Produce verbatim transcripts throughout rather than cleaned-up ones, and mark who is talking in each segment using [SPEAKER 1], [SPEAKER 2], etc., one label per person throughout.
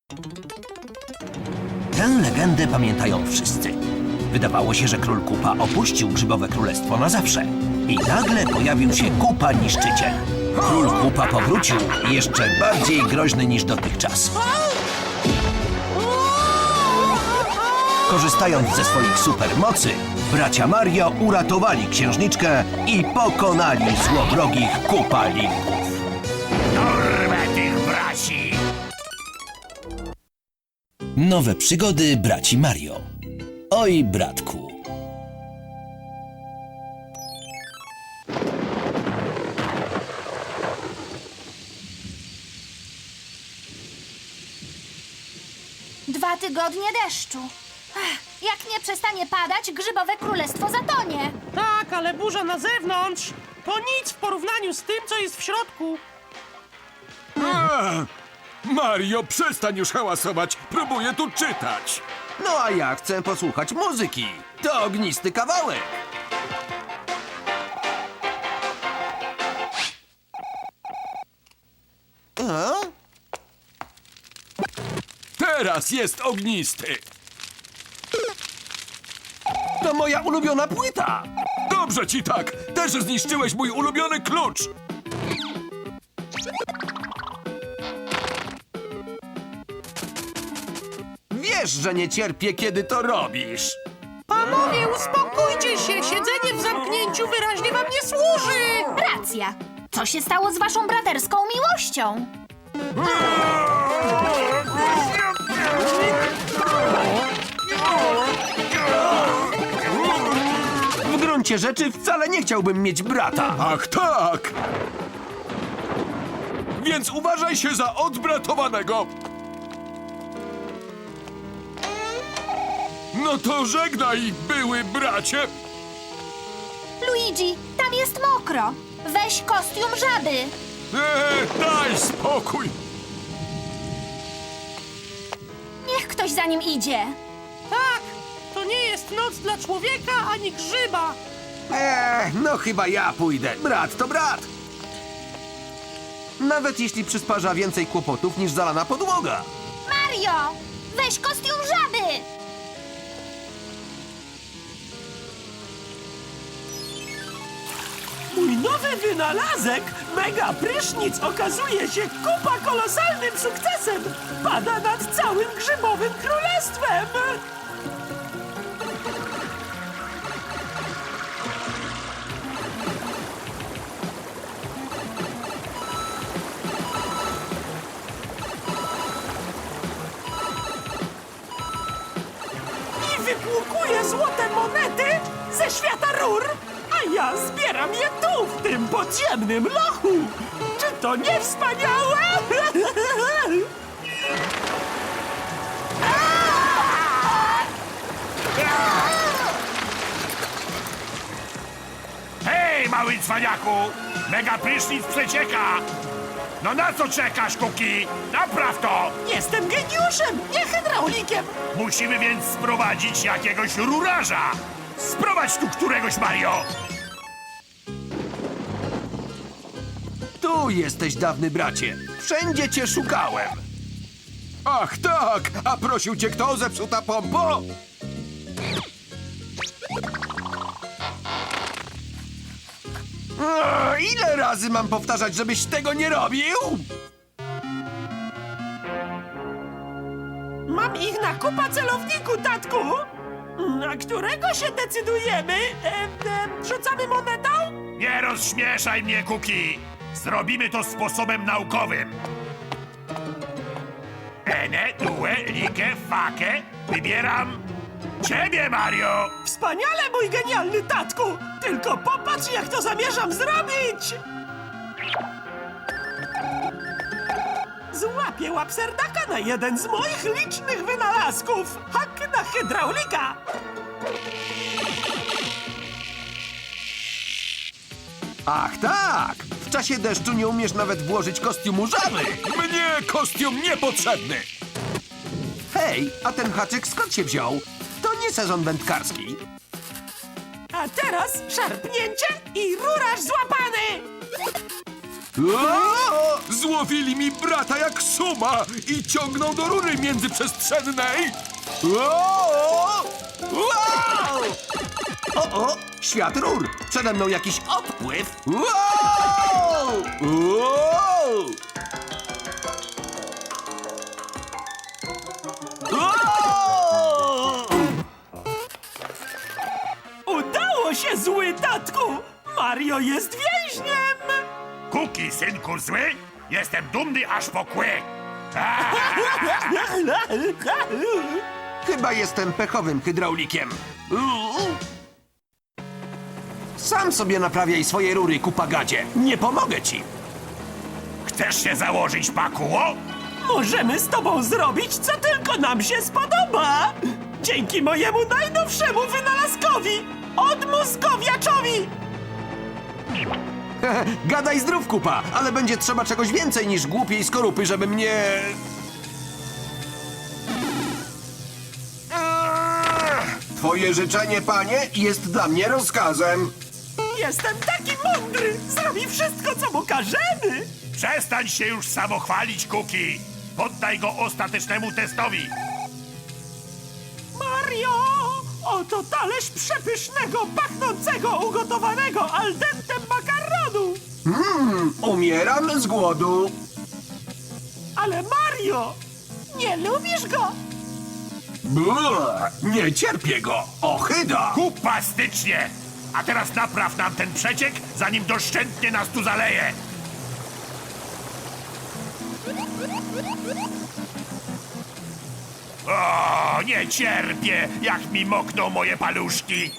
[SPEAKER 1] Tę legendę pamiętają wszyscy. Wydawało się, że król Kupa opuścił Grzybowe Królestwo na zawsze. I nagle pojawił się Kupa Niszczyciel. Król Kupa powrócił jeszcze bardziej groźny niż dotychczas. Korzystając ze swoich supermocy, bracia Mario uratowali księżniczkę i pokonali złowrogich Kupalików.
[SPEAKER 2] Dorwę tych braci!
[SPEAKER 1] Nowe przygody braci Mario. Oj, bratku.
[SPEAKER 3] Dwa tygodnie deszczu. Ach, jak nie przestanie padać, Grzybowe Królestwo zatonie.
[SPEAKER 4] Tak, ale burza na zewnątrz to nic w porównaniu z tym, co jest w środku.
[SPEAKER 5] A, Mario, przestań już hałasować. Próbuję tu czytać.
[SPEAKER 1] No a ja chcę posłuchać muzyki. To ognisty kawałek. A?
[SPEAKER 5] Teraz jest ognisty.
[SPEAKER 1] To moja ulubiona płyta.
[SPEAKER 5] Dobrze ci tak. Też zniszczyłeś mój ulubiony klucz.
[SPEAKER 1] Wiesz, że nie cierpię, kiedy to robisz.
[SPEAKER 4] Panowie, uspokójcie się! Siedzenie w zamknięciu wyraźnie wam nie służy!
[SPEAKER 3] Racja. Co się stało z waszą braterską miłością?
[SPEAKER 1] W gruncie rzeczy wcale nie chciałbym mieć brata.
[SPEAKER 5] Ach tak. Więc uważaj się za odbratowanego. No to żegnaj, były bracie.
[SPEAKER 3] Luigi, tam jest mokro. Weź kostium żaby.
[SPEAKER 5] Eee, daj spokój.
[SPEAKER 3] Niech ktoś za nim idzie.
[SPEAKER 4] Tak, to nie jest noc dla człowieka ani grzyba.
[SPEAKER 1] Eee, no chyba ja pójdę. Brat to brat. Nawet jeśli przysparza więcej kłopotów niż zalana podłoga.
[SPEAKER 3] Mario, weź kostium żaby.
[SPEAKER 6] Mój nowy wynalazek, mega prysznic, okazuje się kupa kolosalnym sukcesem. Pada nad całym Grzybowym Królestwem. I wypłukuje złote monety ze świata rur, a ja zbieram je tu, w tym podziemnym lochu. Czy to nie wspaniałe?
[SPEAKER 2] Hej, mały cwaniaku! Mega prysznic przecieka! No na co czekasz, Kuki? Napraw to!
[SPEAKER 6] Jestem geniuszem, nie hydraulikiem.
[SPEAKER 2] Musimy więc sprowadzić jakiegoś rurarza! Sprowadź tu któregoś, Mario!
[SPEAKER 1] Tu jesteś, dawny bracie. Wszędzie cię szukałem.
[SPEAKER 5] Ach tak, a prosił cię kto, zepsuta pompo?
[SPEAKER 1] Eee, ile razy mam powtarzać, żebyś tego nie robił?
[SPEAKER 6] Mam ich na kupa celowniku, tatku. Na którego się decydujemy? E, e, rzucamy monetą?
[SPEAKER 2] Nie rozśmieszaj mnie, Kuki! Zrobimy to sposobem naukowym. Ene, due, like, fake. Wybieram ciebie, Mario!
[SPEAKER 6] Wspaniale, mój genialny tatku! Tylko popatrz, jak to zamierzam zrobić! Złapię łapserdaka na jeden z moich licznych wynalazków! Hak na hydraulika!
[SPEAKER 1] Ach tak! W czasie deszczu nie umiesz nawet włożyć kostiumu żaby.
[SPEAKER 5] Mnie kostium niepotrzebny.
[SPEAKER 1] Hej, a ten haczyk skąd się wziął? To nie sezon wędkarski.
[SPEAKER 6] A teraz szarpnięcie i rurarz złapany!
[SPEAKER 5] O! Złowili mi brata jak suma i ciągną do rury międzyprzestrzennej. O! Wow!
[SPEAKER 1] O, o, świat rur. Przede mną jakiś odpływ.
[SPEAKER 5] Wow! Wow!
[SPEAKER 1] O!
[SPEAKER 6] Udało się, zły tatku! Mario jest więźniem!
[SPEAKER 2] Kuki, synku zły, jestem dumny aż po kły.
[SPEAKER 1] Chyba jestem pechowym hydraulikiem. Sam sobie naprawiaj swoje rury, kupagadzie. Nie pomogę ci.
[SPEAKER 2] Chcesz się założyć, Pakuło?
[SPEAKER 6] Możemy z tobą zrobić, co tylko nam się spodoba! Dzięki mojemu najnowszemu wynalazkowi! Odmózgowiaczowi!
[SPEAKER 1] Gadaj zdrów, kupa, ale będzie trzeba czegoś więcej niż głupiej skorupy, żeby mnie...
[SPEAKER 5] Twoje życzenie, panie, jest dla mnie rozkazem.
[SPEAKER 6] Jestem taki mądry! Zrobi wszystko, co mu każemy!
[SPEAKER 2] Przestań się już samochwalić, Kuki. Poddaj go ostatecznemu testowi.
[SPEAKER 6] Mario! Oto talerz przepysznego, pachnącego, ugotowanego al dente makaronu!
[SPEAKER 5] Umieram z głodu.
[SPEAKER 6] Ale Mario! Nie lubisz go?
[SPEAKER 5] Bua, nie cierpię go. Ochyda.
[SPEAKER 2] Kupastycznie! A teraz napraw nam ten przeciek, zanim doszczętnie nas tu zaleje. O, nie cierpię, jak mi mokną moje paluszki.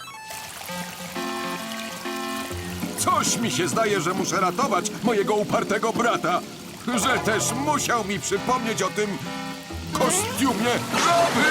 [SPEAKER 5] Coś mi się zdaje, że muszę ratować mojego upartego brata. Że też musiał mi przypomnieć o tym kostiumie żaby!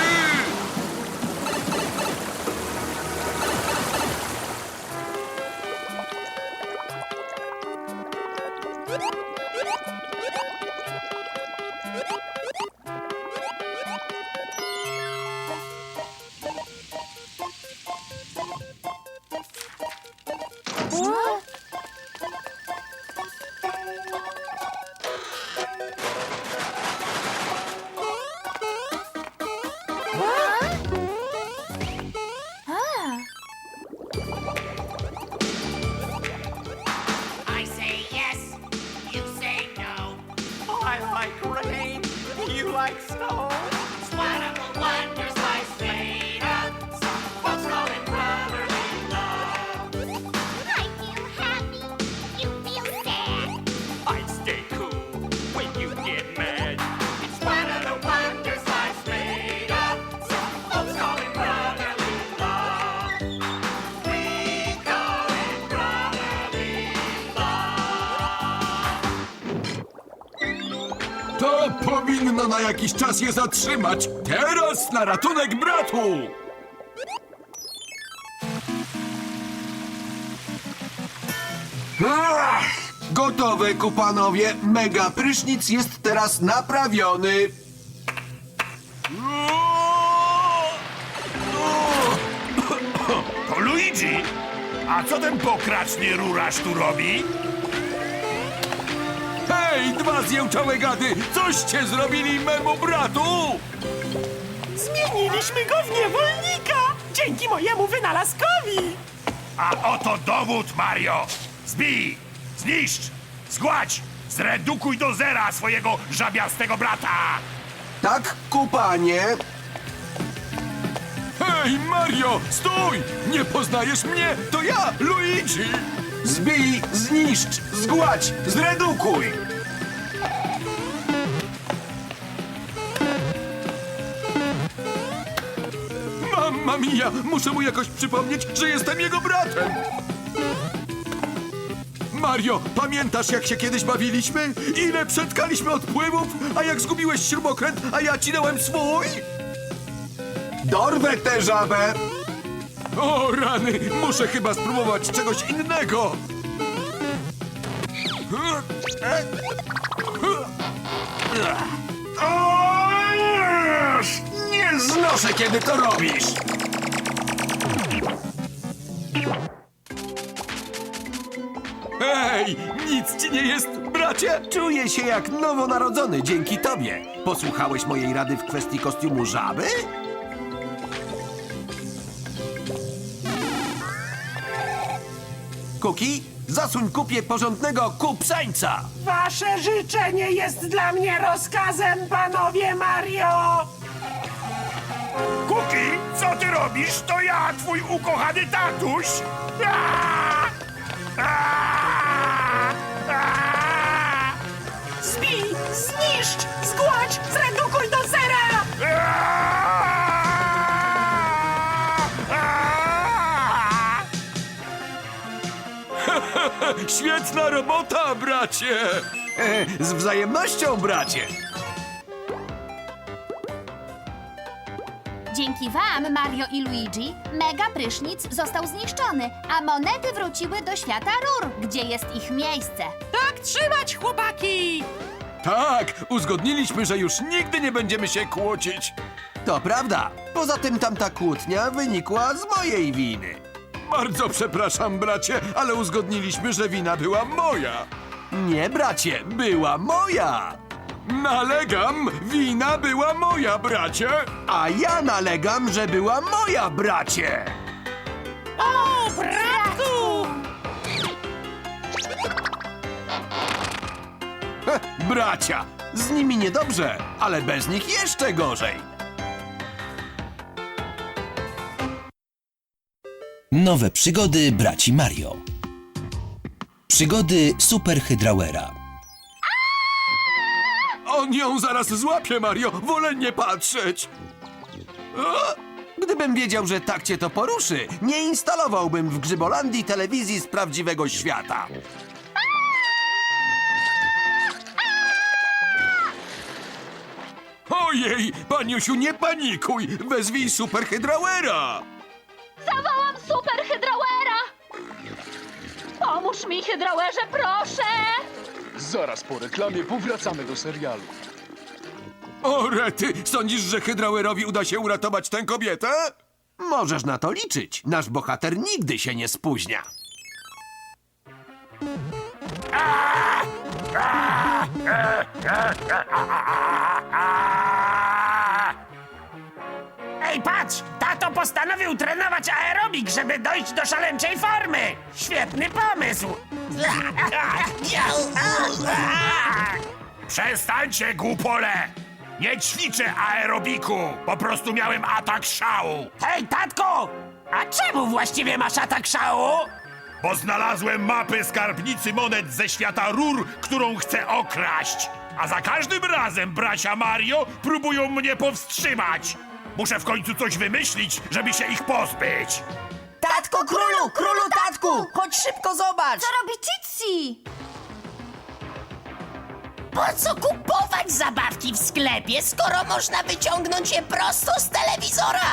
[SPEAKER 7] I say yes, you say no.
[SPEAKER 6] I like rain, you like snow.
[SPEAKER 7] It's one of the wonders life's made of. Some folks call it brotherly love.
[SPEAKER 3] I feel happy, you feel sad.
[SPEAKER 6] I stay cool when you get mad.
[SPEAKER 7] It's one of the wonders life's made of. Some folks call it brotherly love. We call it brotherly love.
[SPEAKER 5] To powinno na jakiś czas je zatrzymać. Teraz na ratunek bratu! Ach, gotowe, kupanowie. Mega prysznic jest teraz naprawiony.
[SPEAKER 2] To Luigi! A co ten pokraczny rurarz tu robi?
[SPEAKER 5] Hej, dwa zjełczałe gady! Coście zrobili memu bratu?
[SPEAKER 6] Zmieniliśmy go w niewolnika! Dzięki mojemu wynalazkowi!
[SPEAKER 2] A oto dowód, Mario! Zbij, zniszcz, zgładź, zredukuj do zera swojego żabiastego brata!
[SPEAKER 1] Tak, kupanie.
[SPEAKER 5] Hej, Mario, stój! Nie poznajesz mnie? To ja, Luigi!
[SPEAKER 1] Zbij, zniszcz, zgładź, zredukuj.
[SPEAKER 5] Mamma mia! Muszę mu jakoś przypomnieć, że jestem jego bratem! Mario, pamiętasz, jak się kiedyś bawiliśmy? Ile przetkaliśmy odpływów, a jak zgubiłeś śrubokręt, a ja ci dałem swój?
[SPEAKER 1] Dorwę tę żabę.
[SPEAKER 5] O rany, muszę chyba spróbować czegoś innego!
[SPEAKER 1] O, nie znoszę, kiedy to robisz.
[SPEAKER 5] Hej, Ojej, nic ci nie jest, bracie?
[SPEAKER 1] Czuję się jak nowonarodzony dzięki tobie. Posłuchałeś mojej rady w kwestii kostiumu żaby? Kuki, zasuń kupie porządnego kupsańca.
[SPEAKER 6] Wasze życzenie jest dla mnie rozkazem, panowie Mario!
[SPEAKER 2] Kuki, co ty robisz? To ja, twój ukochany tatuś! Aaa! Aaa! Aaa!
[SPEAKER 6] Zbij, zniszcz, zgładź, zredukuj do zera!
[SPEAKER 2] Aaa! Aaa!
[SPEAKER 5] Świetna robota, bracie!
[SPEAKER 1] E, z wzajemnością, bracie.
[SPEAKER 3] Dzięki wam, Mario i Luigi, mega prysznic został zniszczony, a monety wróciły do świata rur, gdzie jest ich miejsce.
[SPEAKER 4] Tak trzymać, chłopaki!
[SPEAKER 5] Tak, uzgodniliśmy, że już nigdy nie będziemy się kłócić.
[SPEAKER 1] To prawda. Poza tym tamta kłótnia wynikła z mojej winy.
[SPEAKER 5] Bardzo przepraszam, bracie, ale uzgodniliśmy, że wina była moja.
[SPEAKER 1] Nie, bracie, była moja.
[SPEAKER 5] Nalegam, wina była moja, bracie.
[SPEAKER 1] A ja nalegam, że była moja, bracie.
[SPEAKER 4] O, bratku!
[SPEAKER 1] Heh, bracia, z nimi niedobrze, ale bez nich jeszcze gorzej.
[SPEAKER 8] Nowe przygody braci Mario. Przygody Super Hydrauera.
[SPEAKER 5] On ją zaraz złapie, Mario. Wolę nie patrzeć.
[SPEAKER 1] O! Gdybym wiedział, że tak cię to poruszy, nie instalowałbym w Grzybolandii telewizji z prawdziwego świata.
[SPEAKER 5] Ojej, paniusiu, nie panikuj. Wezwij Super Hydrauera.
[SPEAKER 3] Zawołam super hydrauera! Pomóż mi, hydrauerze, proszę!
[SPEAKER 9] Zaraz po reklamie powracamy do serialu.
[SPEAKER 5] O, rety, sądzisz, że Hydrauerowi uda się uratować tę kobietę?
[SPEAKER 1] Możesz na to liczyć. Nasz bohater nigdy się nie spóźnia.
[SPEAKER 6] Ej, patrz! Tato postanowił trenować aerobik, żeby dojść do szaleńczej formy! Świetny pomysł!
[SPEAKER 2] Przestańcie, głupole! Nie ćwiczę aerobiku! Po prostu miałem atak szału!
[SPEAKER 6] Hej, tatko! A czemu właściwie masz atak szału?
[SPEAKER 2] Bo znalazłem mapę skarbnicy monet ze świata rur, którą chcę okraść! A za każdym razem bracia Mario próbują mnie powstrzymać! Muszę w końcu coś wymyślić, żeby się ich pozbyć!
[SPEAKER 10] Tatko, królu, królu, tatku! Chodź szybko, zobacz!
[SPEAKER 3] Co robi Citsi?
[SPEAKER 10] Po co kupować zabawki w sklepie, skoro można wyciągnąć je prosto z telewizora?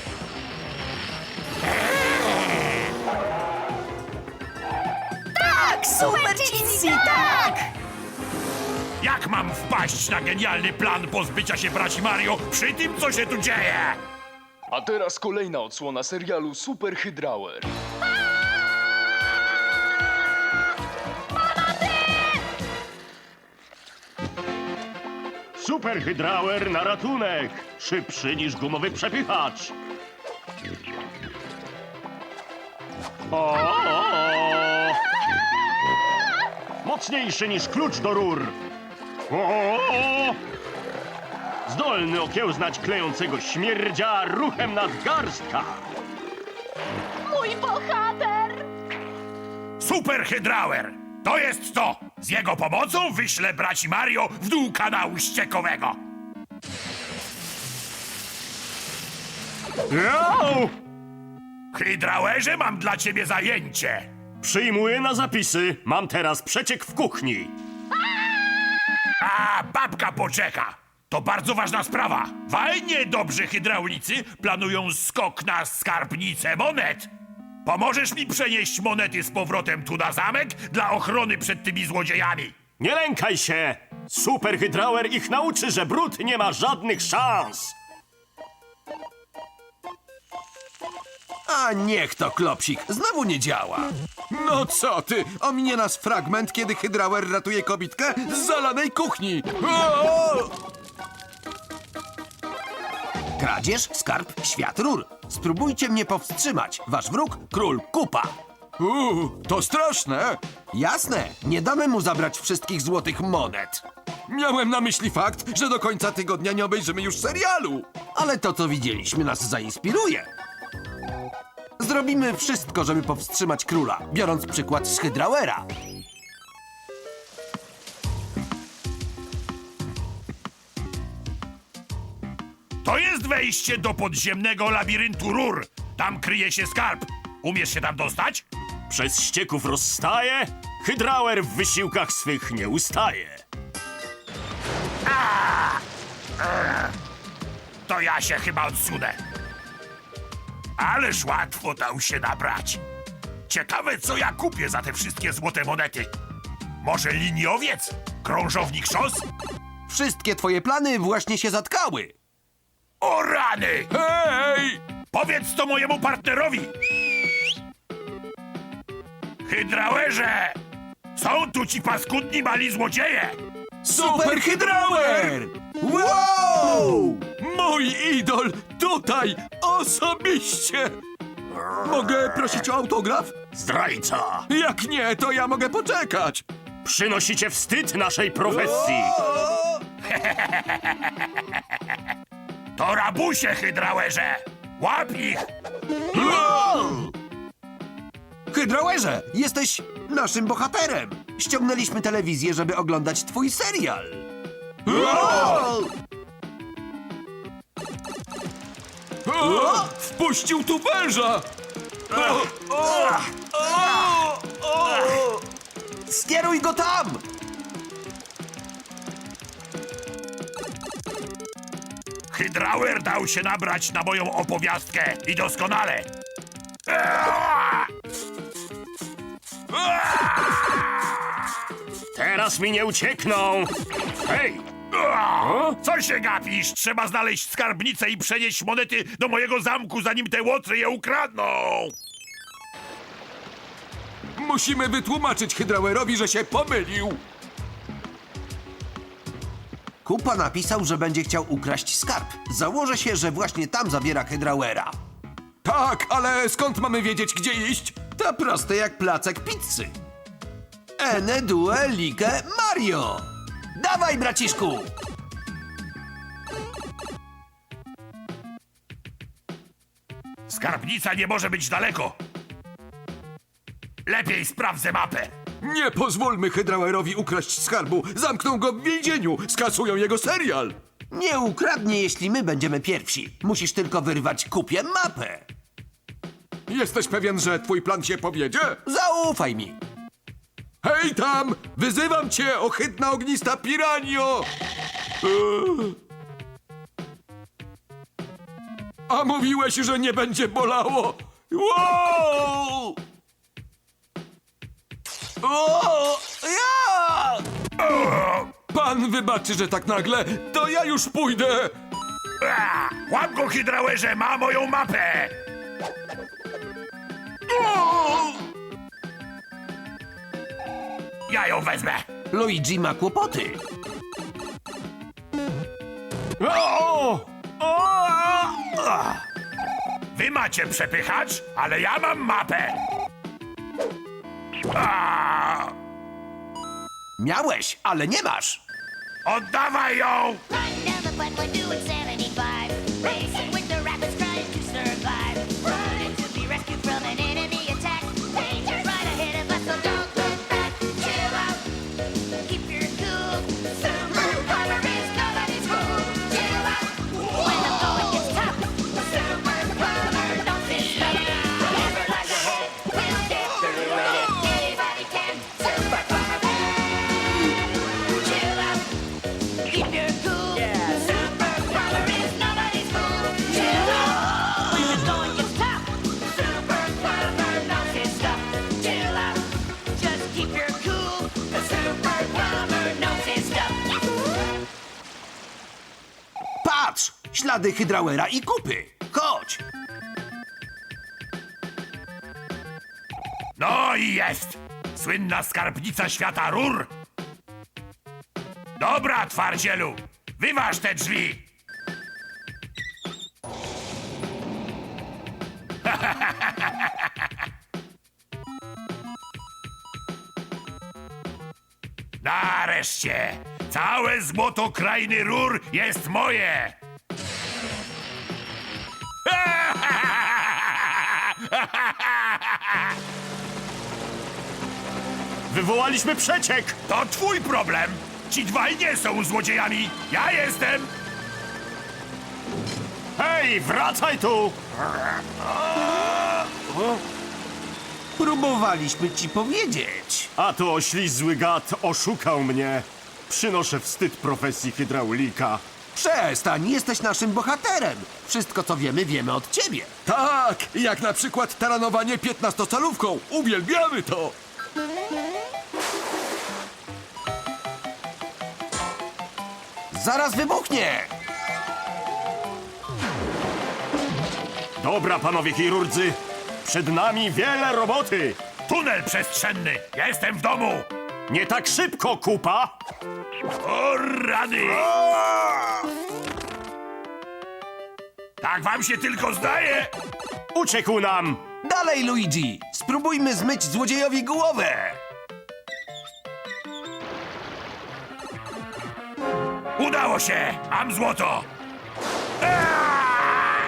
[SPEAKER 10] Tak, super Citsi, tak!
[SPEAKER 2] Jak mam wpaść na genialny plan pozbycia się braci Mario przy tym, co się tu dzieje?
[SPEAKER 9] A teraz kolejna odsłona serialu Super Hydrauer.
[SPEAKER 11] Super Hydrauer na ratunek! Szybszy niż gumowy przepychacz! O, o, o. Mocniejszy niż klucz do rur! O, o, o. Zdolny okiełznać klejącego śmierdzia ruchem nadgarstka!
[SPEAKER 3] Mój bohater!
[SPEAKER 2] Super Hydrauer! To jest to! Z jego pomocą wyślę braci Mario w dół kanału ściekowego!
[SPEAKER 11] Jau!
[SPEAKER 2] Hydrauerze, mam dla ciebie zajęcie!
[SPEAKER 11] Przyjmuję na zapisy. Mam teraz przeciek w kuchni.
[SPEAKER 2] A, babka poczeka! To bardzo ważna sprawa! Fajnie, dobrzy hydraulicy planują skok na skarbnicę monet! Pomożesz mi przenieść monety z powrotem tu na zamek dla ochrony przed tymi złodziejami!
[SPEAKER 11] Nie lękaj się! Super Hydrauer ich nauczy, że brud nie ma żadnych szans!
[SPEAKER 1] A niech to, Klopsik, znowu nie działa.
[SPEAKER 5] No co ty? Ominie nas fragment, kiedy Hydrauer ratuje kobitkę z zalanej kuchni. O!
[SPEAKER 1] Kradzież, skarb, świat rur. Spróbujcie mnie powstrzymać. Wasz wróg, król Kupa.
[SPEAKER 5] Uuu, to straszne.
[SPEAKER 1] Jasne, nie damy mu zabrać wszystkich złotych monet.
[SPEAKER 5] Miałem na myśli fakt, że do końca tygodnia nie obejrzymy już serialu.
[SPEAKER 1] Ale to, co widzieliśmy, nas zainspiruje. Zrobimy wszystko, żeby powstrzymać króla, biorąc przykład z Hydrauera.
[SPEAKER 2] To jest wejście do podziemnego labiryntu rur. Tam kryje się skarb. Umiesz się tam dostać?
[SPEAKER 11] Przez ścieków rozstaje, Hydrauer w wysiłkach swych nie ustaje.
[SPEAKER 2] To ja się chyba odsunę. Ależ łatwo dał się nabrać. Ciekawe, co ja kupię za te wszystkie złote monety. Może liniowiec? Krążownik szos?
[SPEAKER 1] Wszystkie twoje plany właśnie się zatkały.
[SPEAKER 2] O rany!
[SPEAKER 5] Hej!
[SPEAKER 2] Powiedz to mojemu partnerowi! Hydrauerze! Są tu ci paskudni mali złodzieje!
[SPEAKER 1] Super Hydrauer! Wow!
[SPEAKER 5] Mój idol tutaj osobiście! Mogę prosić o autograf?
[SPEAKER 11] Zdrajca!
[SPEAKER 5] Jak nie, to ja mogę poczekać.
[SPEAKER 11] Przynosicie wstyd naszej profesji!
[SPEAKER 2] To rabusie, Hydrauerze! Łap ich!
[SPEAKER 1] Hydrauerze, jesteś naszym bohaterem. Ściągnęliśmy telewizję, żeby oglądać twój serial.
[SPEAKER 5] O! Wpuścił tu węża! O! O! O! O!
[SPEAKER 1] Skieruj go tam!
[SPEAKER 2] Hydrauer dał się nabrać na moją opowiastkę i doskonale.
[SPEAKER 11] Teraz mi nie uciekną! Hej!
[SPEAKER 2] Co się gapisz? Trzeba znaleźć skarbnicę i przenieść monety do mojego zamku, zanim te łotry je ukradną.
[SPEAKER 5] Musimy wytłumaczyć Hydrauerowi, że się pomylił.
[SPEAKER 1] Kupa napisał, że będzie chciał ukraść skarb. Założę się, że właśnie tam zabiera Hydrauera.
[SPEAKER 5] Tak, ale skąd mamy wiedzieć, gdzie iść?
[SPEAKER 1] To proste jak placek pizzy. Ene, due, like, Mario! Dawaj, braciszku!
[SPEAKER 2] Skarbnica nie może być daleko. Lepiej sprawdzę mapę.
[SPEAKER 5] Nie pozwólmy Hydrauerowi ukraść skarbu. Zamkną go w więzieniu. Skasują jego serial.
[SPEAKER 1] Nie ukradnie, jeśli my będziemy pierwsi. Musisz tylko wyrwać Kupie mapę.
[SPEAKER 5] Jesteś pewien, że twój plan się powiedzie?
[SPEAKER 1] Zaufaj mi.
[SPEAKER 5] Hej tam! Wyzywam cię, ohydna ognista piranio! Eee. A mówiłeś, że nie będzie bolało! Wow! O! Ja! Pan wybaczy, że tak nagle, to ja już pójdę!
[SPEAKER 2] A, łap go, Hydrauerze, ma moją mapę! Ja ją wezmę.
[SPEAKER 1] Luigi ma kłopoty.
[SPEAKER 11] O! O!
[SPEAKER 2] Wy macie przepychacz, ale ja mam mapę. A,
[SPEAKER 1] Miałeś, ale nie masz.
[SPEAKER 2] oddawaj ją!
[SPEAKER 3] Right down the pipe, we're doing seventy-five. Racing with the rapids, trying to survive. Running to be rescued from an enemy attack. Danger right ahead of us, so don't look back. Chill out, keep your cool. Super Power is nobody's fool. Chill out, when the going gets tough. Super Power, don't sit stuck. Never lie ahead, we'll get through it. Anybody can. Super Power. Chill out. Keep your cool. Super Power is nobody's fool. Chill out. When the going gets tough. Super Power knows his stuff. Chill out. Just keep your cool. The Super Power knows his stuff.
[SPEAKER 1] Patrz! Ślady Hydrauera i Kupy. Chodź!
[SPEAKER 2] No i jest! Słynna skarbnica świata rur! Dobra, twardzielu! Wyważ te drzwi! Nareszcie! Całe złoto krainy rur jest moje!
[SPEAKER 11] Wywołaliśmy przeciek!
[SPEAKER 2] To twój problem! Ci dwaj nie są złodziejami! Ja jestem!
[SPEAKER 11] Hej, wracaj tu!
[SPEAKER 1] Próbowaliśmy ci powiedzieć.
[SPEAKER 11] A to oślizły gad oszukał mnie. Przynoszę wstyd profesji hydraulika.
[SPEAKER 1] Przestań, jesteś naszym bohaterem. Wszystko, co wiemy, wiemy od ciebie.
[SPEAKER 5] Tak, jak na przykład taranowanie piętnastocalówką. Uwielbiamy to!
[SPEAKER 1] Zaraz wybuchnie!
[SPEAKER 11] Dobra, panowie chirurdzy, przed nami wiele roboty.
[SPEAKER 2] Tunel przestrzenny! Ja jestem w domu!
[SPEAKER 11] Nie tak szybko, kupa!
[SPEAKER 2] O rady! Tak wam się tylko zdaje!
[SPEAKER 11] Uciekł nam!
[SPEAKER 1] Dalej, Luigi! Spróbujmy zmyć złodziejowi głowę!
[SPEAKER 2] Udało się! Mam złoto! Eee!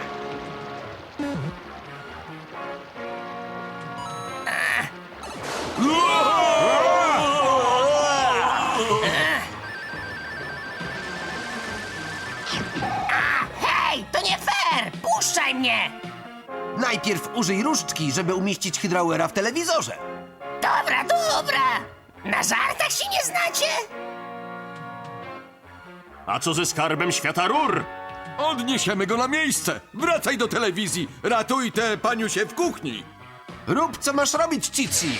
[SPEAKER 10] Hej, to nie fair! Puszczaj mnie!
[SPEAKER 1] Najpierw użyj różdżki, żeby umieścić hydrauera w telewizorze.
[SPEAKER 10] Dobra, dobra! Na żartach się nie znacie?
[SPEAKER 11] A co ze skarbem świata rur?
[SPEAKER 5] Odniesiemy go na miejsce. Wracaj do telewizji. Ratuj tę paniusię w kuchni.
[SPEAKER 1] Rób, co masz robić, Cici.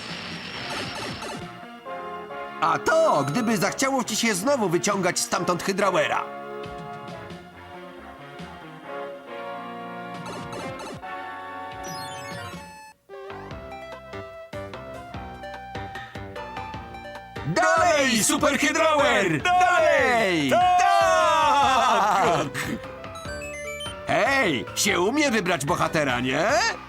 [SPEAKER 1] A to, gdyby zachciało ci się znowu wyciągać stamtąd hydrauera. Dalej, superhydrauer! Dalej! Tak! Hej, się umie wybrać bohatera, nie?